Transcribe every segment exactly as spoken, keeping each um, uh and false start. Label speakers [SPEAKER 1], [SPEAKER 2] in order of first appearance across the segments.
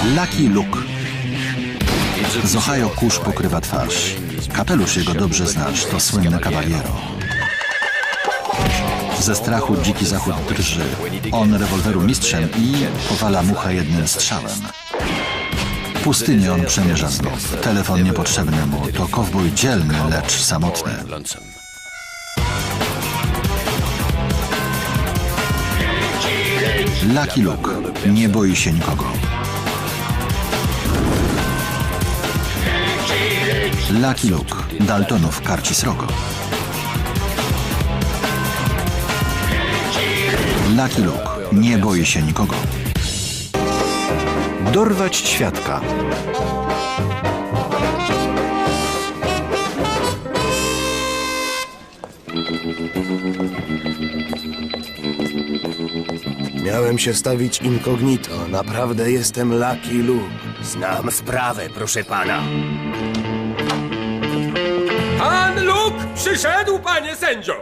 [SPEAKER 1] Lucky Luke. Z Ohio kurz pokrywa twarz. Kapelusz jego dobrze znasz, to słynny Cavaliero. Ze strachu dziki zachód drży. On rewolweru mistrzem i powala muchę jednym strzałem. Pustynię on przemierza znów. Telefon niepotrzebny mu. To kowboj dzielny, lecz samotny. Lucky Luke. Nie boi się nikogo. Lucky Luke. Daltonów karci srogo. Lucky Luke. Nie boi się nikogo.
[SPEAKER 2] Dorwać świadka.
[SPEAKER 3] Miałem się stawić incognito. Naprawdę jestem Lucky Luke.
[SPEAKER 4] Znam sprawę, proszę pana.
[SPEAKER 5] Pan Luke przyszedł, panie sędzio!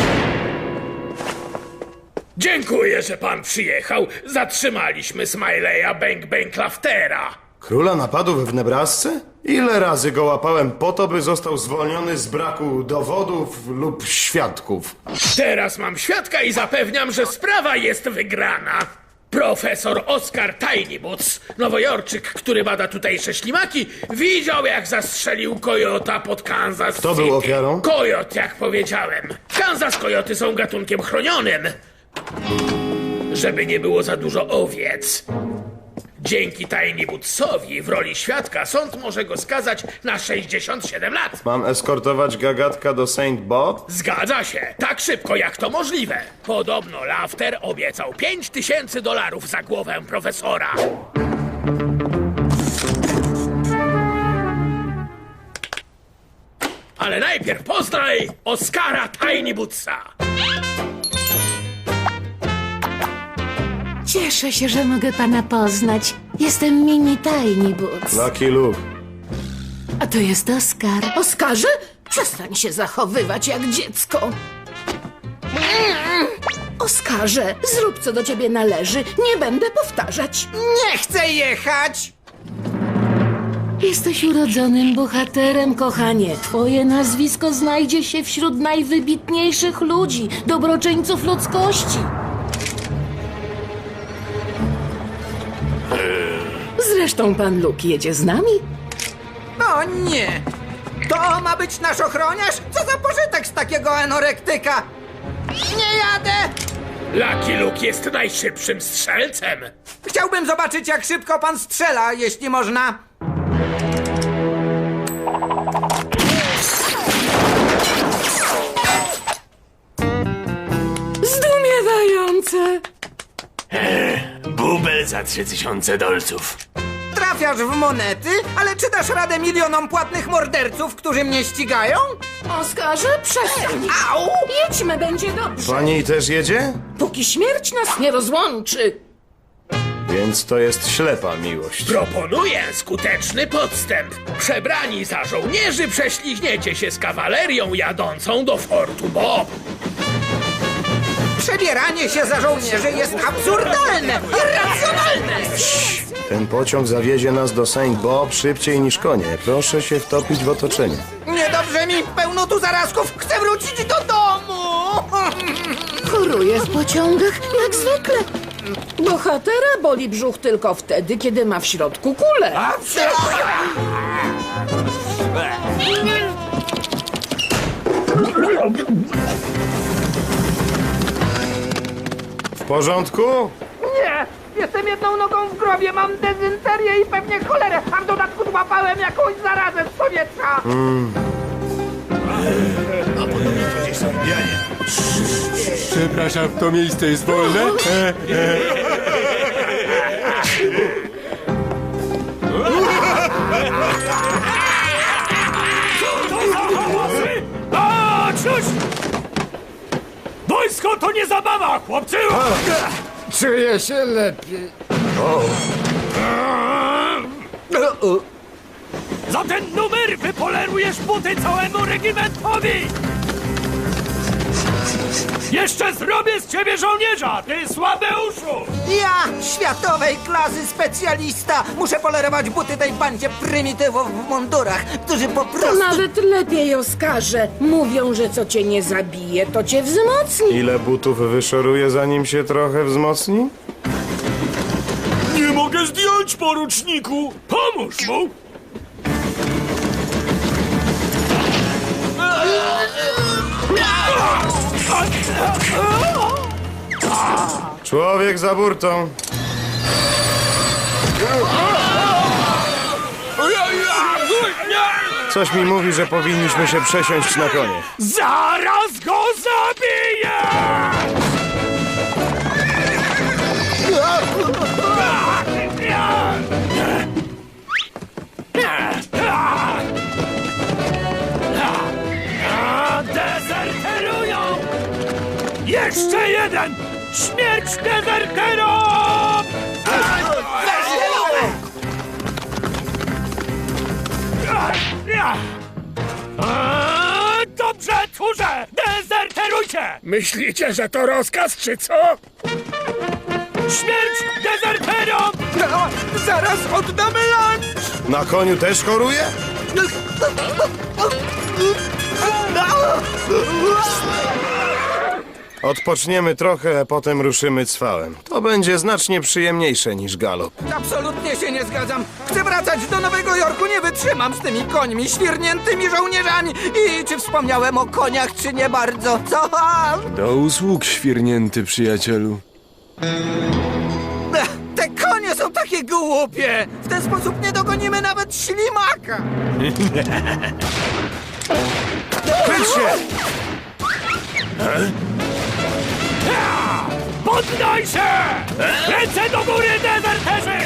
[SPEAKER 6] Dziękuję, że pan przyjechał. Zatrzymaliśmy Smileya Bang Bang Laftera.
[SPEAKER 3] Króla napadów w Nebrasce? Ile razy go łapałem po to, by został zwolniony z braku dowodów lub świadków?
[SPEAKER 6] Teraz mam świadka i zapewniam, że sprawa jest wygrana. Profesor Oscar Tinyboots, nowojorczyk, który bada tutejsze ślimaki, widział, jak zastrzelił kojota pod Kansas
[SPEAKER 3] Kto
[SPEAKER 6] City.
[SPEAKER 3] był ofiarą?
[SPEAKER 6] Kojot, jak powiedziałem. W Kansas kojoty są gatunkiem chronionym. Żeby nie było za dużo owiec. Dzięki Tinybootsowi w roli świadka sąd może go skazać na sześćdziesiąt siedem lat.
[SPEAKER 3] Mam eskortować gagatka do Saint Bob?
[SPEAKER 6] Zgadza się, tak szybko jak to możliwe. Podobno Lafter obiecał pięć tysięcy dolarów za głowę profesora. Ale najpierw poznaj Oscara Tinybootsa.
[SPEAKER 7] Cieszę się, że mogę pana poznać. Jestem Mini Tinyboots.
[SPEAKER 3] Lucky Luke.
[SPEAKER 7] A to jest Oskar. Oskarze? Przestań się zachowywać jak dziecko. Oskarze, zrób co do ciebie należy. Nie będę powtarzać.
[SPEAKER 4] Nie chcę jechać!
[SPEAKER 7] Jesteś urodzonym bohaterem, kochanie. Twoje nazwisko znajdzie się wśród najwybitniejszych ludzi, dobroczyńców ludzkości. Zresztą pan Luke jedzie z nami?
[SPEAKER 4] O nie! To ma być nasz ochroniarz? Co za pożytek z takiego anorektyka? Nie jadę!
[SPEAKER 6] Lucky Luke jest najszybszym strzelcem.
[SPEAKER 4] Chciałbym zobaczyć, jak szybko pan strzela, jeśli można.
[SPEAKER 7] Zdumiewające!
[SPEAKER 5] Bubel za trzy tysiące dolców.
[SPEAKER 4] Trafiasz w monety, ale czy dasz radę milionom płatnych morderców, którzy mnie ścigają?
[SPEAKER 7] Oskarze, przestań!
[SPEAKER 4] Au!
[SPEAKER 7] Jedźmy, będzie dobrze.
[SPEAKER 3] Pani też jedzie?
[SPEAKER 7] Póki śmierć nas nie rozłączy.
[SPEAKER 3] Więc to jest ślepa miłość.
[SPEAKER 6] Proponuję skuteczny podstęp. Przebrani za żołnierzy prześliźniecie się z kawalerią jadącą do Fortu Bob.
[SPEAKER 4] Przebieranie się za żołnierzy jest absurdalne, irracjonalne!
[SPEAKER 3] Ten pociąg zawiezie nas do Saint Bob szybciej niż konie. Proszę się wtopić w otoczenie.
[SPEAKER 4] Niedobrze mi, pełno tu zarazków, chcę wrócić do domu!
[SPEAKER 7] Choruje w pociągach, jak zwykle. Bohatera boli brzuch tylko wtedy, kiedy ma w środku kulę.
[SPEAKER 3] W porządku?
[SPEAKER 4] Nie! Jestem jedną nogą w grobie, mam dezynterię i pewnie cholerę, a w dodatku złapałem jakąś zarazę z powietrza!
[SPEAKER 5] Przepraszam, to miejsce jest wolne? O, cóż! Wojsko to nie zabawa, chłopcy!
[SPEAKER 4] Czuję się lepiej.
[SPEAKER 5] Za ten numer wypolerujesz buty całemu regimentowi! Jeszcze zrobię z ciebie żołnierza, ty słabeuszu!
[SPEAKER 4] Ja, światowej klasy specjalista, muszę polerować buty tej bandzie prymitywów w mundurach, którzy po
[SPEAKER 7] To
[SPEAKER 4] prostu...
[SPEAKER 7] nawet lepiej, Oskarze. Mówią, że co cię nie zabije, to cię wzmocni.
[SPEAKER 3] Ile butów wyszoruje, zanim się trochę wzmocni?
[SPEAKER 5] Nie mogę zdjąć, poruczniku! Pomóż mu!
[SPEAKER 3] Człowiek za burtą. Coś mi mówi, że powinniśmy się przesiąść na konie.
[SPEAKER 5] Zaraz go zabiję! Dezerterują! Jeszcze jeden! Śmierć dezerterom! Dobrze, tchórze! Dezerterujcie!
[SPEAKER 6] Myślicie, że to rozkaz, czy co?
[SPEAKER 5] Śmierć dezerterom!
[SPEAKER 4] No, zaraz oddamy lunch!
[SPEAKER 3] Na koniu też choruje? Odpoczniemy trochę, a potem ruszymy cwałem. To będzie znacznie przyjemniejsze niż galop.
[SPEAKER 4] Absolutnie się nie zgadzam. Chcę wracać do Nowego Jorku, nie wytrzymam z tymi końmi, świrniętymi żołnierzami. I czy wspomniałem o koniach, czy nie bardzo? Co?
[SPEAKER 2] Do usług, świrnięty przyjacielu.
[SPEAKER 4] Ech, Te konie są takie głupie. W ten sposób nie dogonimy nawet ślimaka.
[SPEAKER 3] Kryć się!
[SPEAKER 5] Poddaj się! Ręce do góry, dezerterzy!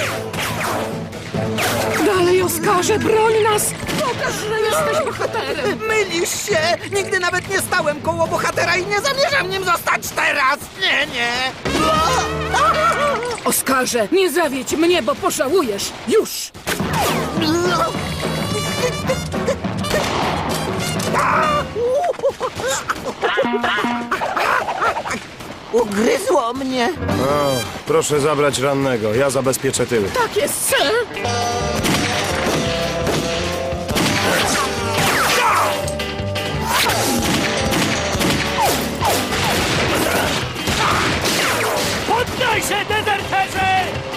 [SPEAKER 7] Dalej, Oskarze, broń nas! Pokaż, że jesteś bohaterem!
[SPEAKER 4] Mylisz się! Nigdy nawet nie stałem koło bohatera i nie zamierzam nim zostać teraz! Nie, nie!
[SPEAKER 7] Oskarze, nie zawiedź mnie, bo pożałujesz! Już!
[SPEAKER 4] Ugryzło mnie!
[SPEAKER 3] O, proszę zabrać rannego, ja zabezpieczę tyły.
[SPEAKER 7] Tak jest, sir!
[SPEAKER 5] Poddaj się, dezerterzy!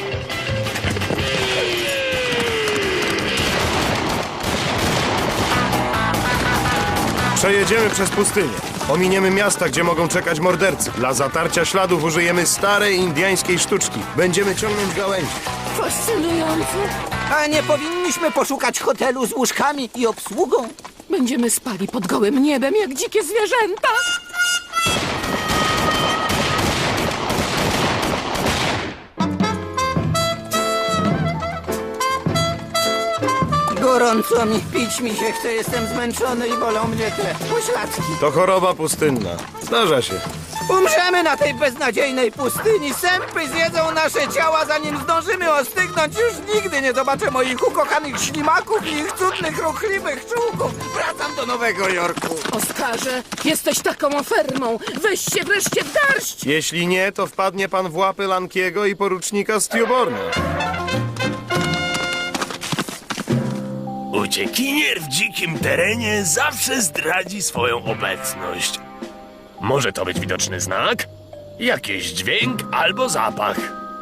[SPEAKER 3] Przejedziemy przez pustynię. Ominiemy miasta, gdzie mogą czekać mordercy. Dla zatarcia śladów użyjemy starej indyjskiej sztuczki. Będziemy ciągnąć gałęzi.
[SPEAKER 7] Fascynujące!
[SPEAKER 4] A nie powinniśmy poszukać hotelu z łóżkami i obsługą?
[SPEAKER 7] Będziemy spali pod gołym niebem jak dzikie zwierzęta!
[SPEAKER 4] Gorąco mi, pić mi się chce, jestem zmęczony i bolą mnie te pośladki.
[SPEAKER 3] To choroba pustynna. Zdarza się.
[SPEAKER 4] Umrzemy na tej beznadziejnej pustyni. Sępy zjedzą nasze ciała, zanim zdążymy ostygnąć. Już nigdy nie zobaczę moich ukochanych ślimaków i ich cudnych, ruchliwych czółków. Wracam do Nowego Jorku.
[SPEAKER 7] Oskarze, jesteś taką ofermą! Weź się wreszcie w garść!
[SPEAKER 3] Jeśli nie, to wpadnie pan w łapy Lankiego i porucznika Stewborna.
[SPEAKER 8] Uciekinier w dzikim terenie zawsze zdradzi swoją obecność. Może to być widoczny znak, jakiś dźwięk albo zapach.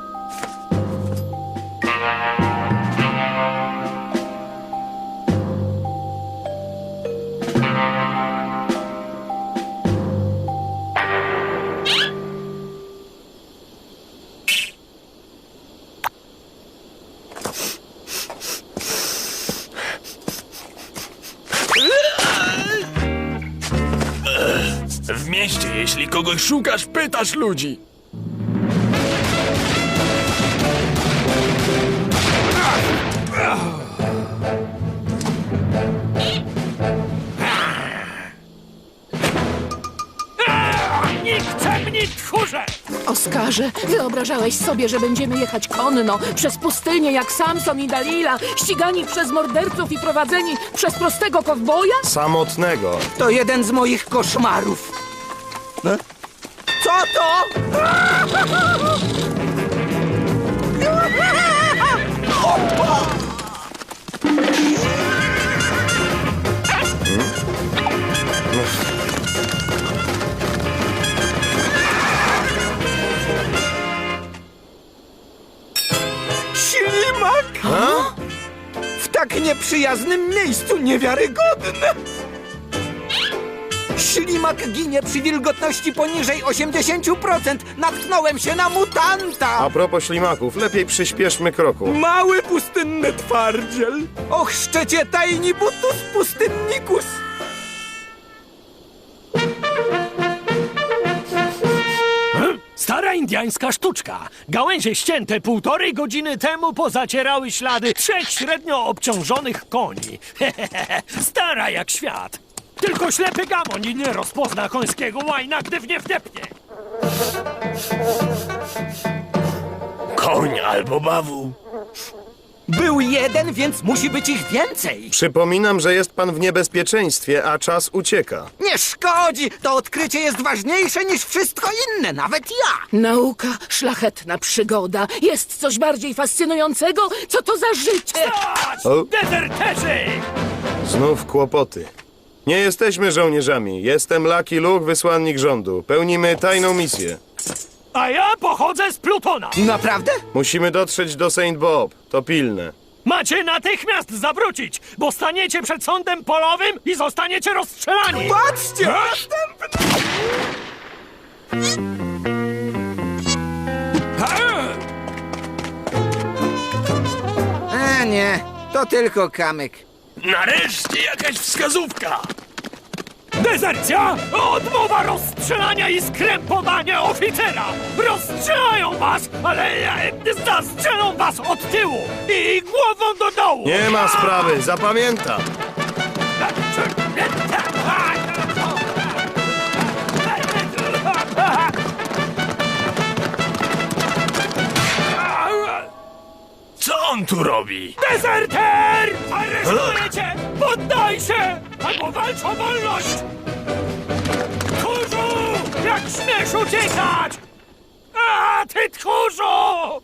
[SPEAKER 8] W mieście, jeśli kogoś szukasz, pytasz ludzi.
[SPEAKER 5] Nikczemni tchórze!
[SPEAKER 7] Oskarze, wyobrażałeś sobie, że będziemy jechać konno przez pustynię jak Samson i Dalila, ścigani przez morderców i prowadzeni przez prostego kowboja?
[SPEAKER 3] Samotnego.
[SPEAKER 4] To jeden z moich koszmarów. Co to? Ślimak? W tak nieprzyjaznym miejscu, niewiarygodne! Ślimak ginie przy wilgotności poniżej osiemdziesiąt procent. Natknąłem się na mutanta!
[SPEAKER 3] A propos ślimaków, lepiej przyspieszmy kroku.
[SPEAKER 4] Mały pustynny twardziel! Och, cię tajni butus pustynnikus!
[SPEAKER 9] Stara indiańska sztuczka. Gałęzie ścięte półtorej godziny temu pozacierały ślady trzech średnio obciążonych koni. Stara jak świat. Tylko ślepy gamoń nie rozpozna końskiego łajna, gdy w nie wdepnie.
[SPEAKER 8] Koń albo bawu.
[SPEAKER 4] Był jeden, więc musi być ich więcej.
[SPEAKER 3] Przypominam, że jest pan w niebezpieczeństwie, a czas ucieka.
[SPEAKER 4] Nie szkodzi! To odkrycie jest ważniejsze niż wszystko inne, nawet ja!
[SPEAKER 7] Nauka, szlachetna przygoda. Jest coś bardziej fascynującego? Co to za życie?
[SPEAKER 9] Stać!
[SPEAKER 3] O.
[SPEAKER 9] Dezerterzy!
[SPEAKER 3] Znów kłopoty. Nie jesteśmy żołnierzami. Jestem Lucky Luke, wysłannik rządu. Pełnimy tajną misję.
[SPEAKER 9] A ja pochodzę z Plutona.
[SPEAKER 4] Naprawdę?
[SPEAKER 3] Musimy dotrzeć do Saint Bob. To pilne.
[SPEAKER 9] Macie natychmiast zawrócić, bo staniecie przed sądem polowym i zostaniecie rozstrzelani.
[SPEAKER 4] Patrzcie! Następny! A nie, to tylko kamyk.
[SPEAKER 8] Nareszcie jakaś wskazówka.
[SPEAKER 9] Dezercja! Odmowa rozstrzelania i skrępowania oficera! Rozstrzelają was, ale e, zastrzelą was od tyłu i głową do dołu!
[SPEAKER 3] Nie ma sprawy, zapamiętam.
[SPEAKER 8] Co on tu robi?
[SPEAKER 9] Dezerter! Aresztuję cię! Poddaj się! Albo walcz o wolność! Tchórzu! Jak śmiesz uciekać! A, ty tchórzu!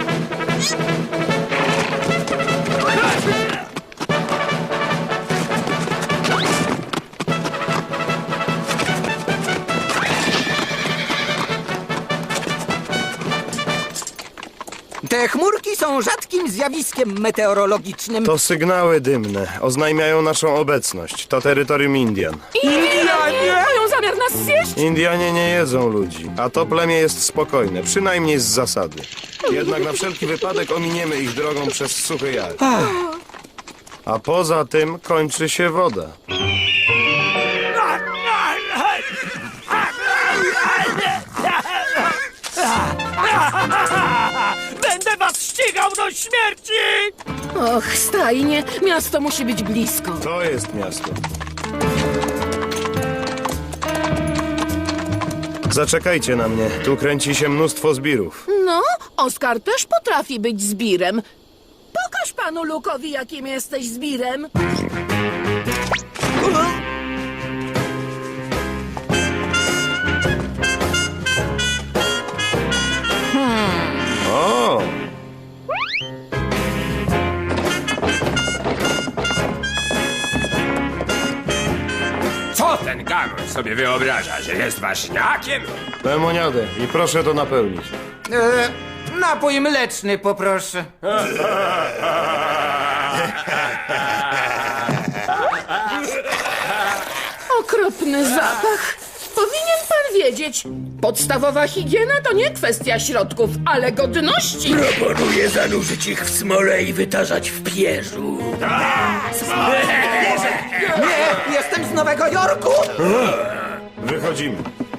[SPEAKER 4] Te chmurki są rzadkim zjawiskiem meteorologicznym.
[SPEAKER 3] To sygnały dymne. Oznajmiają naszą obecność. To terytorium Indian.
[SPEAKER 7] Indianie! Mają zamiar nas zjeść?
[SPEAKER 3] Indianie nie jedzą ludzi, a to plemię jest spokojne, przynajmniej z zasady. Jednak na wszelki wypadek ominiemy ich drogą przez suchy jar. A poza tym kończy się woda.
[SPEAKER 9] Będę was ścigał do śmierci!
[SPEAKER 7] Och, stajnie, miasto musi być blisko.
[SPEAKER 3] To jest miasto. Zaczekajcie na mnie. Tu kręci się mnóstwo zbirów.
[SPEAKER 7] No, Oskar też potrafi być zbirem. Pokaż panu Lukowi, jakim jesteś zbirem.
[SPEAKER 3] O!
[SPEAKER 5] Co ten gamoń sobie wyobraża, że jest ważniakiem?
[SPEAKER 3] Lemoniadę i proszę to napełnić.
[SPEAKER 4] E, napój mleczny poproszę.
[SPEAKER 7] Okropny zapach. Powinien pan wiedzieć. Podstawowa higiena to nie kwestia środków, ale godności.
[SPEAKER 6] Proponuję zanurzyć ich w smole i wytarzać w pierzu.
[SPEAKER 4] Nie, jestem z Nowego Jorku!
[SPEAKER 3] Wychodzimy.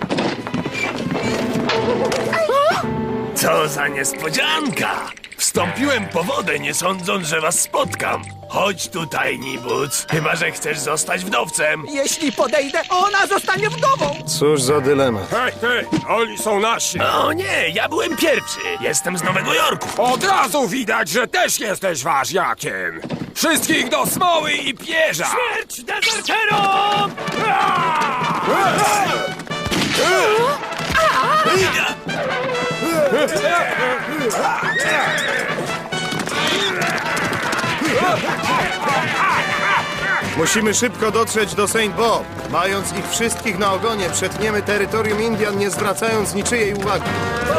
[SPEAKER 8] Co za niespodzianka! Wstąpiłem po wodę, nie sądząc, że was spotkam. Chodź tutaj, Nibuc. Chyba że chcesz zostać wdowcem.
[SPEAKER 4] Jeśli podejdę, ona zostanie wdową!
[SPEAKER 3] Cóż za dylemat.
[SPEAKER 5] Hej, hej, oni są nasi.
[SPEAKER 8] O nie, ja byłem pierwszy. Jestem z Nowego Jorku.
[SPEAKER 5] Od razu widać, że też jesteś ważniakiem. Wszystkich do smoły i pierza.
[SPEAKER 9] Śmierć dezerterom!
[SPEAKER 7] A,
[SPEAKER 3] Musimy szybko dotrzeć do Saint Bob. Mając ich wszystkich na ogonie, przetniemy terytorium Indian, nie zwracając niczyjej uwagi.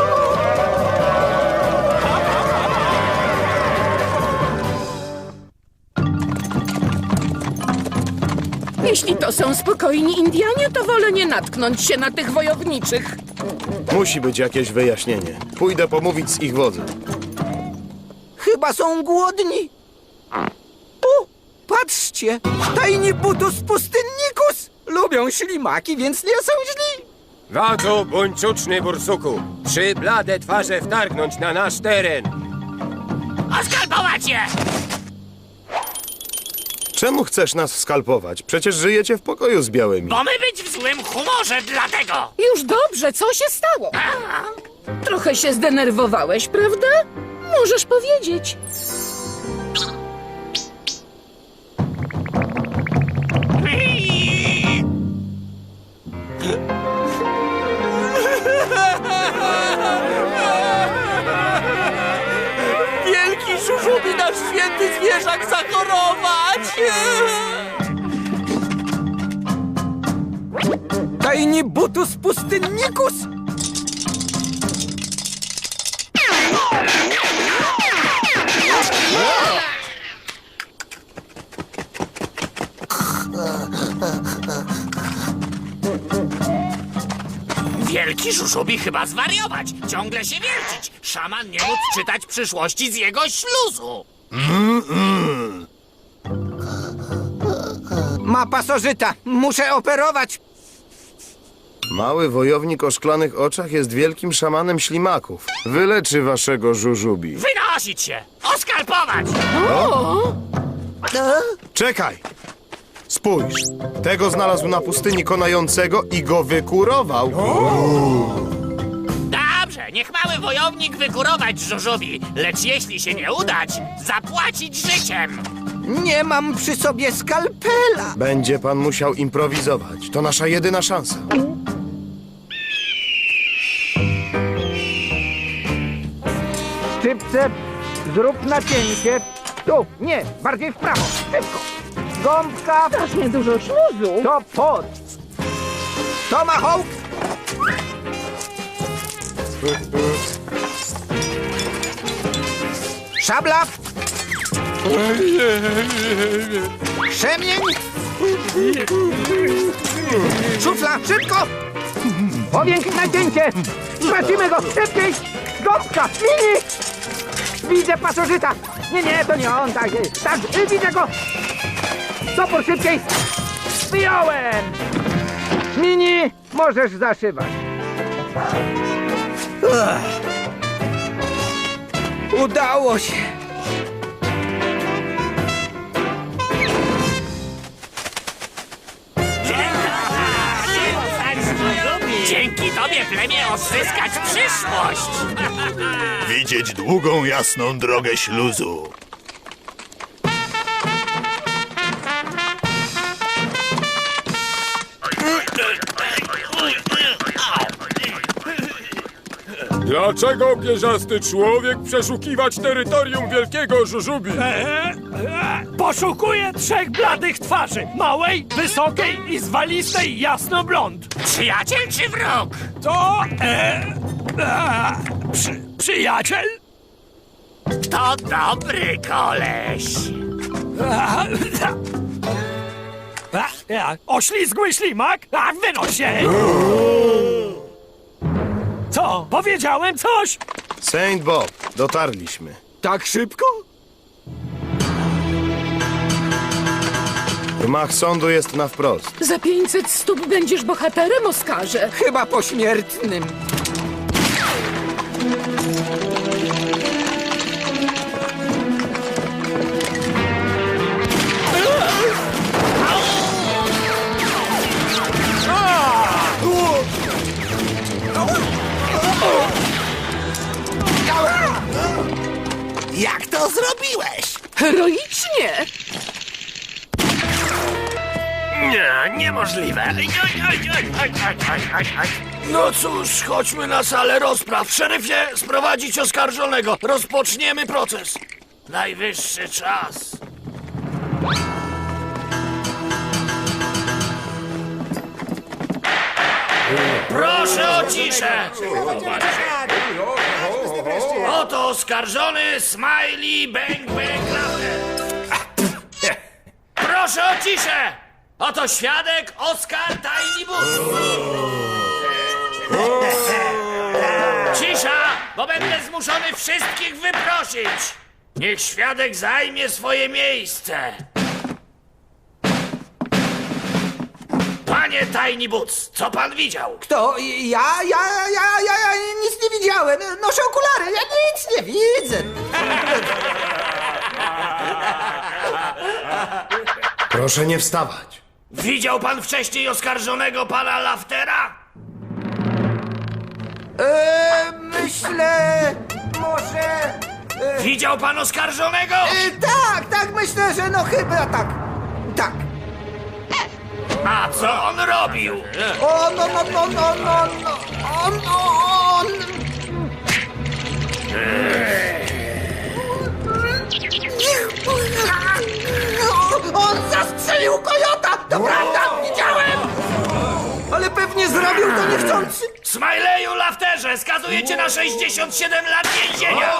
[SPEAKER 7] Jeśli to są spokojni Indianie, to wolę nie natknąć się na tych wojowniczych.
[SPEAKER 3] Musi być jakieś wyjaśnienie. Pójdę pomówić z ich wodzem.
[SPEAKER 4] Chyba są głodni. O, patrzcie! Tajni butus pustynnikus! Lubią ślimaki, więc nie są źli.
[SPEAKER 5] Wadzu, bądź czuczny, bursuku. Trzy blade twarze wtargnąć na nasz teren.
[SPEAKER 6] Oskalpować je!
[SPEAKER 3] Czemu chcesz nas skalpować? Przecież żyjecie w pokoju z białymi.
[SPEAKER 6] Bo my być w złym humorze, dlatego!
[SPEAKER 7] Już dobrze, co się stało? Trochę się zdenerwowałeś, prawda? Możesz powiedzieć.
[SPEAKER 4] Wielki żużubi nasz święty zwierzak zachorować! Tajni butus pustynnikus!
[SPEAKER 6] Wielki żużubi chyba zwariować, ciągle się wiercić. Szaman nie móc czytać przyszłości z jego śluzu.
[SPEAKER 4] Ma pasożyta, muszę operować.
[SPEAKER 3] Mały wojownik o szklanych oczach jest wielkim szamanem ślimaków. Wyleczy waszego żużubi.
[SPEAKER 6] Wynosić się! Oskalpować!
[SPEAKER 3] Czekaj! Spójrz! Tego znalazł na pustyni konającego i go wykurował.
[SPEAKER 6] Dobrze, niech mały wojownik wykurować żużubi, lecz jeśli się nie udać, zapłacić życiem.
[SPEAKER 4] Nie mam przy sobie skalpela.
[SPEAKER 3] Będzie pan musiał improwizować. To nasza jedyna szansa.
[SPEAKER 4] Szczypce, zrób nacięcie. Tu, nie, bardziej w prawo, szybko. Gąbka,
[SPEAKER 7] Strasznie dużo śluzu.
[SPEAKER 4] to pod. Tomahawk. Szabla. Krzemień. Szufla, szybko. Powiększ nacięcie. Stracimy go, szybciej. Gąbka, mini. Widzę pasożyta. Nie, nie, to nie on, tak, tak, widzę go. Topór szybciej. Wyjąłem. Mini, możesz zaszywać. Ugh. Udało się.
[SPEAKER 6] Dzięki tobie plemię odzyskać przyszłość.
[SPEAKER 10] Widzieć długą, jasną drogę śluzu.
[SPEAKER 5] Dlaczego pierzasty człowiek przeszukiwać terytorium wielkiego żużubi?
[SPEAKER 9] Eee, e, poszukuję trzech bladych twarzy. Małej, wysokiej i zwalistej jasnoblond.
[SPEAKER 6] Przyjaciel czy wróg?
[SPEAKER 9] To... E, e, przy, przyjaciel?
[SPEAKER 6] To dobry koleś.
[SPEAKER 9] A, a, a, oślizgły ślimak? A, wynoś się! Co? Powiedziałem coś?
[SPEAKER 3] Saint Bob, dotarliśmy.
[SPEAKER 4] Tak szybko?
[SPEAKER 3] Gmach sądu jest na wprost.
[SPEAKER 7] Za pięćset stóp będziesz bohaterem, Oskarze.
[SPEAKER 4] Chyba pośmiertnym.
[SPEAKER 10] Jak to zrobiłeś?
[SPEAKER 7] Heroicznie!
[SPEAKER 8] Nie, niemożliwe. Oj, oj, oj, oj, oj, oj, oj, oj. No cóż, chodźmy na salę rozpraw. Szeryfie, sprowadzić oskarżonego. Rozpoczniemy proces. Najwyższy czas. Proszę o ciszę. Oto oskarżony Smiley Bang Bang Laughter. Proszę o ciszę. Oto świadek Oskar Tiny Butt. Cisza, bo będę zmuszony wszystkich wyprosić. Niech świadek zajmie swoje miejsce. Panie Tiny Boots, co pan widział?
[SPEAKER 4] Kto? Ja? Ja, ja, ja, ja nic nie widziałem. Noszę okulary, ja nic nie widzę.
[SPEAKER 3] Proszę nie wstawać.
[SPEAKER 6] Widział pan wcześniej oskarżonego pana Laftera?
[SPEAKER 4] Eee, myślę... może... E,
[SPEAKER 6] Widział pan oskarżonego?
[SPEAKER 4] e, tak, tak, myślę, że no chyba tak. Tak.
[SPEAKER 6] A co on robił?
[SPEAKER 4] O, no, no, no, no, no, no. On, on... On zastrzelił kojota! To prawda, widziałem! Ale pewnie zrobił to niechcący.
[SPEAKER 6] Smileyu Lafterze, skazuję cię na sześćdziesiąt siedem lat więzienia!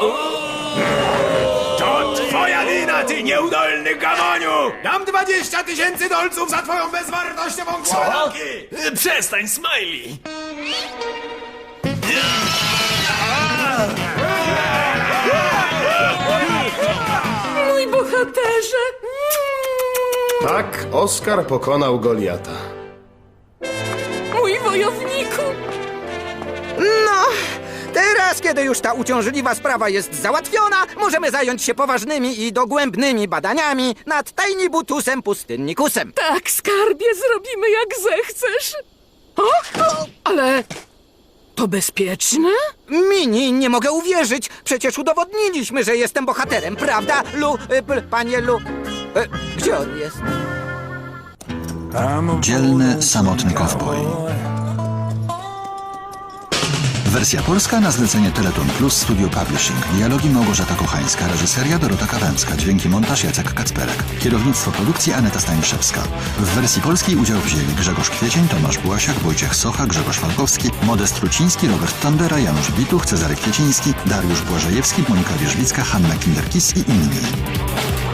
[SPEAKER 5] To twoja wina, ty nieudolny gamoniu! Dam dwadzieścia tysięcy dolców za twoją bezwartościową głowę!
[SPEAKER 8] Przestań, Smiley!
[SPEAKER 7] Mój bohaterze!
[SPEAKER 3] Tak, Oskar pokonał Goliata.
[SPEAKER 7] Mój wojowniku!
[SPEAKER 4] No, teraz, kiedy już ta uciążliwa sprawa jest załatwiona, możemy zająć się poważnymi i dogłębnymi badaniami nad Tiny Butusem Pustynnikusem.
[SPEAKER 7] Tak, skarbie, zrobimy jak zechcesz. O, o, ale to bezpieczne?
[SPEAKER 4] Mini, nie mogę uwierzyć. Przecież udowodniliśmy, że jestem bohaterem, prawda, Lu, y, p, panie Lu? E, gdzie on jest?
[SPEAKER 1] Dzielny, samotny kowboj. Wersja polska na zlecenie Teleton Plus Studio Publishing. Dialogi Małgorzata Kochańska, reżyseria Dorota Kawęcka, dźwięki montaż Jacek Kacperek, kierownictwo produkcji Aneta Staniszewska. W wersji polskiej udział wzięli Grzegorz Kwiecień, Tomasz Błasiak, Wojciech Socha, Grzegorz Falkowski, Modest Truciński, Robert Tondera, Janusz Bituch, Cezary Kwieciński, Dariusz Błażejewski, Monika Wierzbicka, Hanna Kinderkis i inni.